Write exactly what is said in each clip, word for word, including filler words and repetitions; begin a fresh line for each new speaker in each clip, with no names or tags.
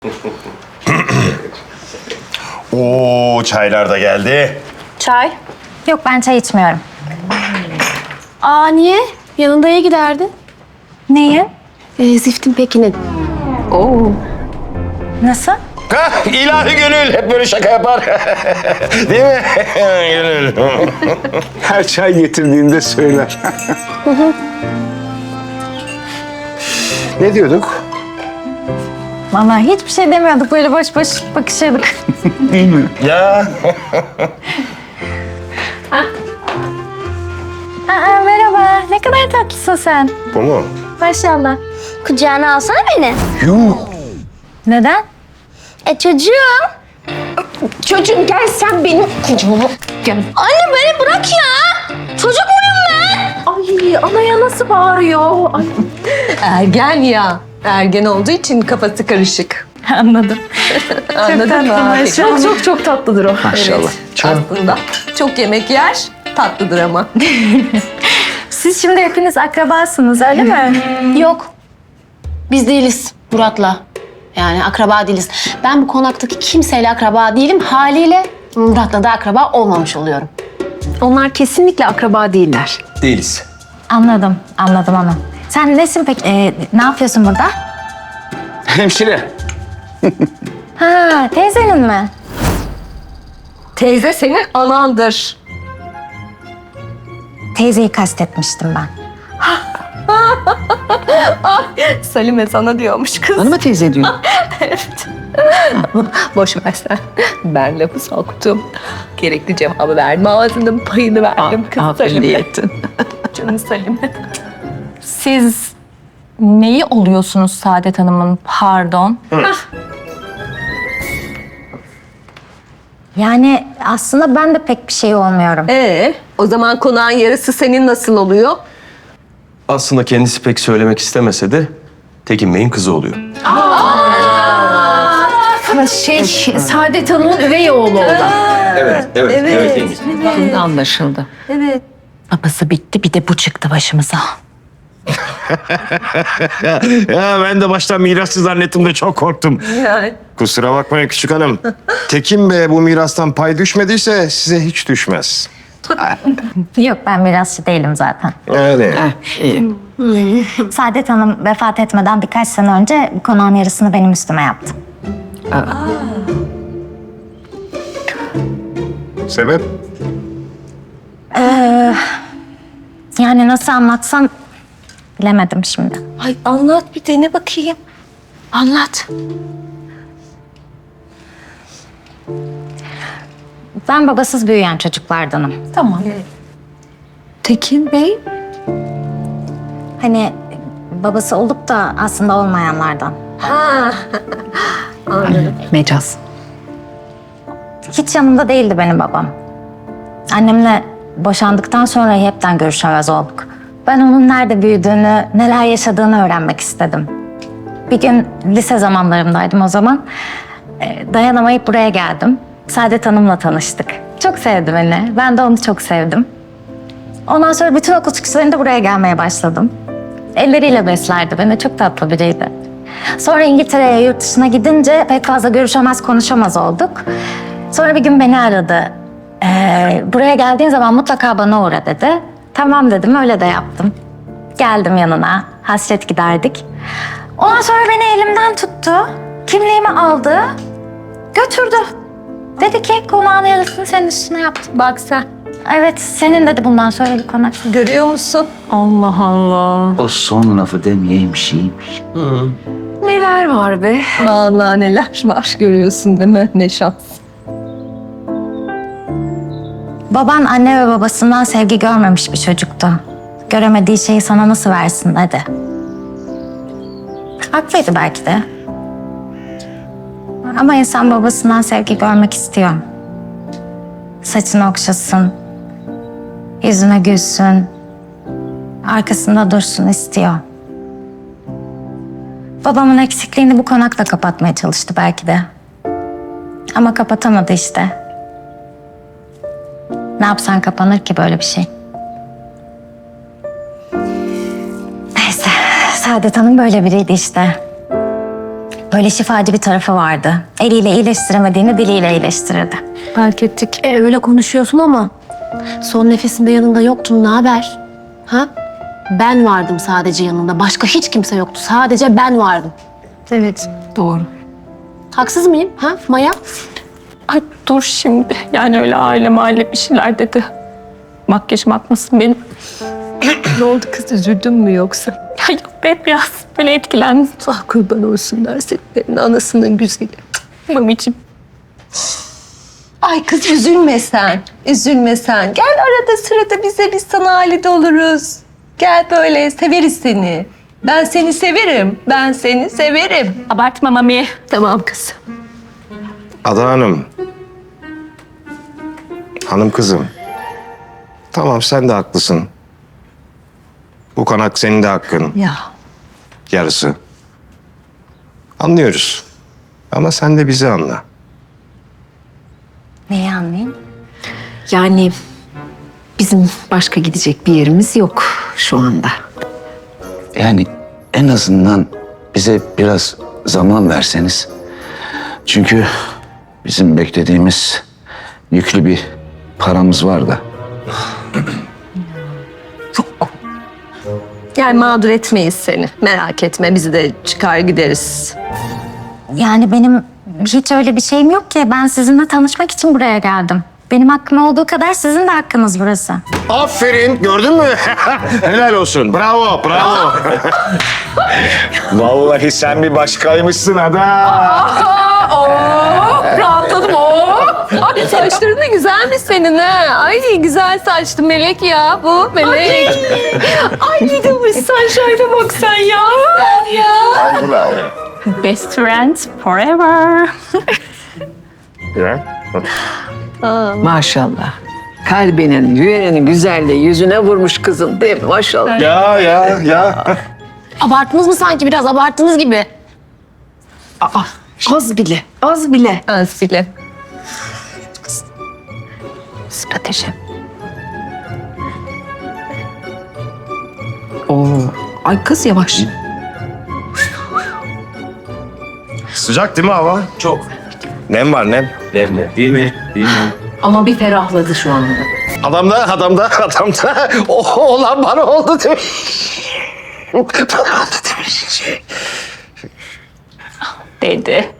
Oo, çaylar da geldi.
Çay?
Yok, ben çay içmiyorum.
Aa niye? Yanında ya giderdi?
Neyi?
Ee, Ziftin Pekin'in. Oo.
Nasıl?
Hah, ilahi Gönül hep böyle şaka yapar. Değil mi? Gönül.
Her çay getirdiğinde söyler. Ne diyorduk?
Vallahi hiçbir şey demiyorduk. Böyle boş boş bakışıyorduk.
Değil mi?
Ya.
Aa, merhaba. Ne kadar tatlısın sen.
Bu mu?
Maşallah.
Kucağına alsana beni.
Yuh.
Neden?
E çocuğum.
Çocuğum gel sen benim kucağıma. Gel.
Anne beni bırak ya. Çocuk muyum ben?
Ay anaya nasıl bağırıyor? Ay.
Ergen ya. Ergen olduğu için kafası karışık.
Anladım.
Anladın mı abi?
Çok çok çok tatlıdır o.
Maşallah.
Aslında çok yemek yer, tatlıdır ama.
Siz şimdi hepiniz akrabasınız, öyle mi?
Yok. Biz değiliz Murat'la. Yani akraba değiliz. Ben bu konaktaki kimseyle akraba değilim. Haliyle Murat'la da akraba olmamış oluyorum. Onlar kesinlikle akraba değiller.
Değiliz.
Anladım, anladım onu. Sen nesin peki? Ee, ne yapıyorsun burada?
Hemşire.
Ha, teyzenin mi?
Teyze senin anandır.
Teyzeyi kastetmiştim ben.
Salime sana diyormuş kız.
Bana mı teyze diyor?
Evet. Boş ver sen. Ben lafı soktum. Gerekli cevabı verdim. Ağzının payını verdim kız Salime. Canım Salime.
Siz neyi oluyorsunuz Saadet Hanım'ın? Pardon.
Yani aslında ben de pek bir şey olmuyorum.
Ee, o zaman konağın yarısı senin nasıl oluyor?
Aslında kendisi pek söylemek istemese de Tekin Bey'in kızı oluyor.
Şey, Saadet Hanım'ın üvey oğlu o da.
Evet, evet, evet. evet.
Anlaşıldı.
Babası bitti, bir de bu çıktı başımıza.
Ya ben de baştan mirasçı zannettim de çok korktum.
Yani.
Kusura bakmayın küçük hanım. Tekin Bey bu mirastan pay düşmediyse size hiç düşmez.
Yok, ben mirasçı değilim zaten.
Öyle.
Saadet Hanım vefat etmeden birkaç sene önce bu konağın yarısını benim üstüme yaptı.
Sebep?
Yani nasıl anlatsam bilemedim şimdi.
Ay anlat bir dene bakayım. Anlat.
Ben babasız büyüyen çocuklardanım.
Tamam. Tekin Bey?
Hani babası olup da aslında olmayanlardan.
Ha. Anladım.
Mecaz.
Hiç yanımda değildi benim babam. Annemle boşandıktan sonra hepten görüşemez olduk. Ben onun nerede büyüdüğünü, neler yaşadığını öğrenmek istedim. Bir gün lise zamanlarımdaydım o zaman. Ee, Dayanamayıp buraya geldim. Saadet Hanım'la tanıştık. Çok sevdi beni. Ben de onu çok sevdim. Ondan sonra bütün okul çıkışlarında buraya gelmeye başladım. Elleriyle beslerdi beni. Çok tatlı biriydi. Sonra İngiltere'ye, yurt dışına gidince pek fazla görüşemez, konuşamaz olduk. Sonra bir gün beni aradı. Ee, buraya geldiğin zaman mutlaka bana uğra dedi. Tamam dedim, öyle de yaptım. Geldim yanına, hasret giderdik. Ondan sonra beni elimden tuttu. Kimliğimi aldı, götürdü. Dedi ki konağın yarısını senin üstüne yaptım.
Bak sen.
Evet, senin dedi bundan sonra bir konak.
Görüyor musun?
Allah Allah.
O son lafı demeyeymiş iyiymiş.
Neler var be?
Vallahi neler var görüyorsun değil mi? Ne şans.
Baban anne ve babasından sevgi görmemiş bir çocuktu. Göremediği şeyi sana nasıl versin dedi. Haklıydı belki de. Ama insan babasından sevgi görmek istiyor. Saçını okşasın, yüzüne gülsün, arkasında dursun istiyor. Babamın eksikliğini bu konakla kapatmaya çalıştı belki de. Ama kapatamadı işte. Ne yapsan kapanır ki böyle bir şey. Neyse, Saadet Hanım böyle biriydi işte. Böyle şifacı bir tarafı vardı. Eliyle iyileştiremediğini diliyle iyileştirirdi.
Fark ettik. E, öyle konuşuyorsun ama son nefesinde yanında yoktun. Ne haber? Ha? Ben vardım sadece yanında. Başka hiç kimse yoktu. Sadece ben vardım.
Evet, doğru.
Haksız mıyım? Ha Maya?
Ay dur şimdi. Yani öyle aile mahalle bir şeyler dedi. Makyajım akmasın benim.
Ne oldu kız, üzüldün mü yoksa?
Ya yok be, biraz böyle etkilendim.
Ah kurban olsunlar senin anasının güzeli.
Mamicim.
Ay kız üzülme sen. Üzülme sen. Gel arada sırada bize, biz sana halide oluruz. Gel böyle, severiz seni. Ben seni severim. Ben seni severim.
Abartma Mami.
Tamam kızım.
Ada Hanım. Hanım kızım. Tamam sen de haklısın. Bu konak senin de hakkın.
Ya.
Yarısı. Anlıyoruz. Ama sen de bizi anla.
Neyi anlayayım?
Yani bizim başka gidecek bir yerimiz yok şu anda.
Yani en azından bize biraz zaman verseniz. Çünkü bizim beklediğimiz yüklü bir paramız var da.
Yani mağdur etmeyiz seni. Merak etme, biz de çıkar gideriz.
Yani benim hiç öyle bir şeyim yok ki. Ben sizinle tanışmak için buraya geldim. Benim hakkım olduğu kadar sizin de hakkınız burası.
Aferin gördün mü? Helal olsun. Bravo bravo. Vallahi sen bir başkaymışsın Ada.
Rahatladım o. Ay saçların da güzelmiş senin ha. Ay güzel saçlı melek ya bu melek. Ay bir de bu saçlarına bak sen ya. Ya.
Best friends forever.
Maşallah. Kalbinin, yüreğinin güzelliği yüzüne vurmuş kızın değil mi? Maşallah.
Ya ya ya.
Abarttınız mı sanki? Biraz abarttınız gibi.
Az bile, az bile.
Az bile.
Strateji. Oo. Ay kız yavaş.
Sıcak değil mi hava?
Çok.
Nem var nem.
Demle. Değil mi? Değil mi?
Ama bir ferahladı şu anda.
Adamda adamda adamda. O olan bana oldu demiş. Bana oldu demiş.
Dedi.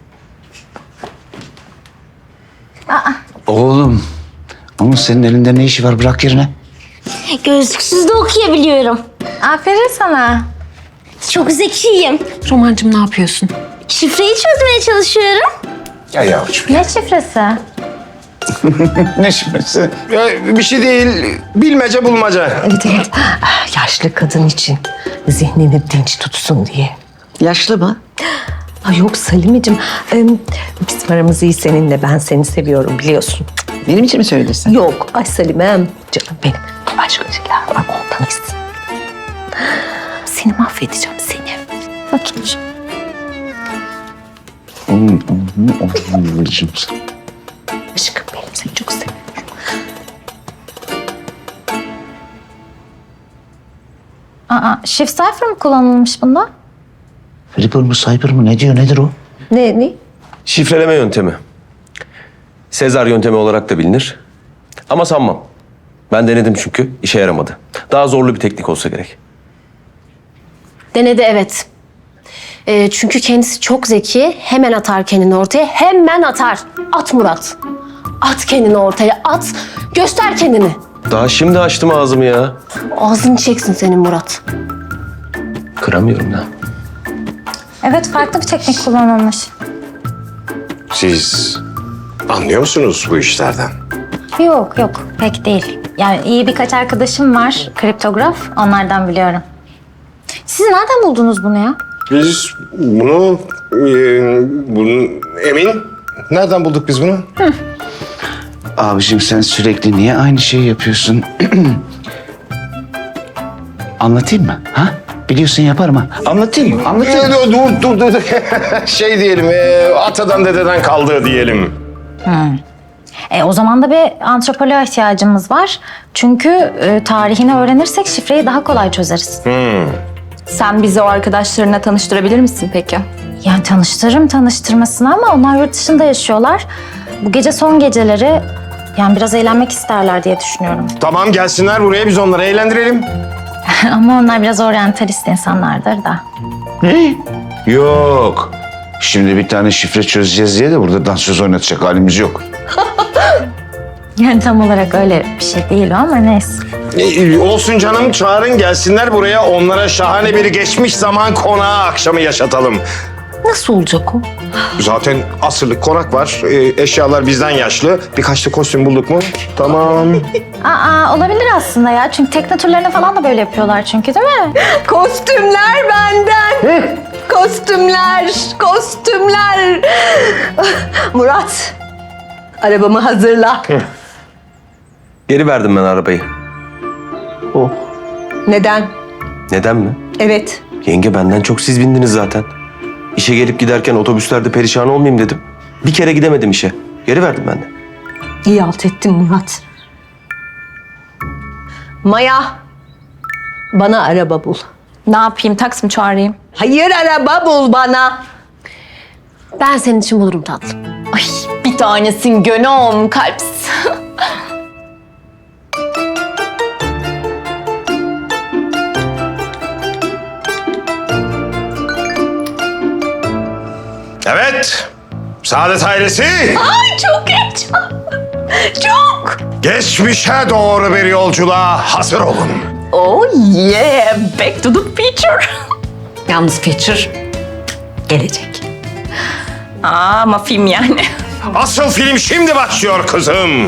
Oğlum, onun senin elinde ne işi var? Bırak yerine.
Gözlüksüz de okuyabiliyorum.
Aferin sana.
Çok zekiyim.
Romancığım ne yapıyorsun?
Şifreyi çözmeye çalışıyorum.
Ya yavrucuğum.
Ne şifresi?
Ne şifresi?
Ya, bir şey değil. Bilmece bulmaca.
Evet evet. Ah, yaşlı kadın için zihnini dinç tutsun diye.
Yaşlı mı?
Ay yok Salimeciğim. Ee, bizim aramız iyi seninle. Ben seni seviyorum biliyorsun.
Benim için mi söylesin?
Yok. Ay Salimem. Canım benim. Başka şeyler var. Ondan istedim. Seni mahvedeceğim seni.
Bakayım.
Oğlum, oğlum, oğlum, oğlum.
Aşkım benim seni çok seviyorum.
Aa, shift cipher mı kullanılmış bunda?
Flipper mı, Cyber mı? Ne diyor, nedir o?
Ne ne?
Şifreleme yöntemi. Sezar yöntemi olarak da bilinir. Ama sanmam. Ben denedim çünkü işe yaramadı. Daha zorlu bir teknik olsa gerek.
Denedi evet. Ee, çünkü kendisi çok zeki. Hemen atar kendini ortaya. Hemen atar. At Murat. At kendini ortaya. At. Göster kendini.
Daha şimdi açtım ağzımı ya.
Ağzını çeksin senin Murat.
Kıramıyorum ya.
Evet, farklı bir teknik kullanılmış.
Siz anlıyor musunuz bu işlerden?
Yok yok, pek değil. Yani iyi birkaç arkadaşım var, kriptograf. Onlardan biliyorum. Siz nereden buldunuz bunu ya?
Biz bunu, e, bunu Emin nereden bulduk biz bunu?
Abicim sen sürekli niye aynı şeyi yapıyorsun? Anlatayım mı? Ha? Biliyorsun yaparım ha. Anlatayım mı? Anlatayım mı?
Ee, dur dur dur. dur. şey diyelim, e, atadan dededen kaldığı diyelim.
E, o zaman da bir antropoloğa ihtiyacımız var. Çünkü e, tarihini öğrenirsek şifreyi daha kolay çözeriz.
Sen bizi o arkadaşlarına tanıştırabilir misin peki?
Yani tanıştırırım tanıştırmasına ama onlar yurt dışında yaşıyorlar. Bu gece son geceleri, yani biraz eğlenmek isterler diye düşünüyorum.
Tamam gelsinler buraya biz onları eğlendirelim.
Ama onlar biraz oryantalist insanlardır da.
Ne? Yok. Şimdi bir tane şifre çözeceğiz diye de burada dansöz oynatacak halimiz yok.
Yani tam olarak öyle bir şey değil o ama neyse.
Ee, olsun canım çağırın gelsinler buraya. Onlara şahane bir geçmiş zaman konağı akşamı yaşatalım.
Nasıl olacak o?
Zaten asırlık konak var. Ee, eşyalar bizden yaşlı. Birkaç da kostüm bulduk mu? Tamam.
Aa, olabilir aslında ya. Çünkü tekne turlarını falan da böyle yapıyorlar çünkü, değil mi?
Kostümler benden. Kostümler, kostümler. Murat, arabamı hazırla.
Geri verdim ben arabayı.
Neden?
Neden mi?
Evet.
Yenge benden çok siz bindiniz zaten. İşe gelip giderken otobüslerde perişan olmayayım dedim. Bir kere gidemedim işe. Geri verdim ben de.
İyi halt ettin Murat. Maya, bana araba bul.
Ne yapayım? Taksi mi çağırayım?
Hayır, araba bul bana.
Ben senin için bulurum tatlım.
Ay bir tanesin gönüm kalps.
Evet. Saadet ailesi.
Ay çok heyecanlı. Çok.
Geçmişe doğru bir yolculuğa hazır olun.
Oh yeah, back to the future.
Yalnız Feature gelecek.
Aa, ama film yani.
Asıl film şimdi başlıyor kızım.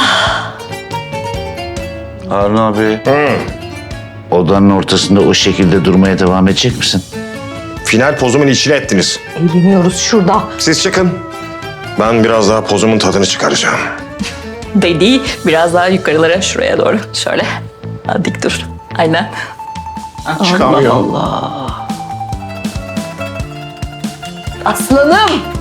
Harun abi. Odanın ortasında o şekilde durmaya devam edecek misin?
Final pozumun içine ettiniz.
Eğleniyoruz şurada.
Siz çıkın. Ben biraz daha pozumun tadını çıkaracağım.
Dedi biraz daha yukarılara şuraya doğru. Şöyle. Ha, dik dur. Aynen.
Çıkamıyor.
Aslanım.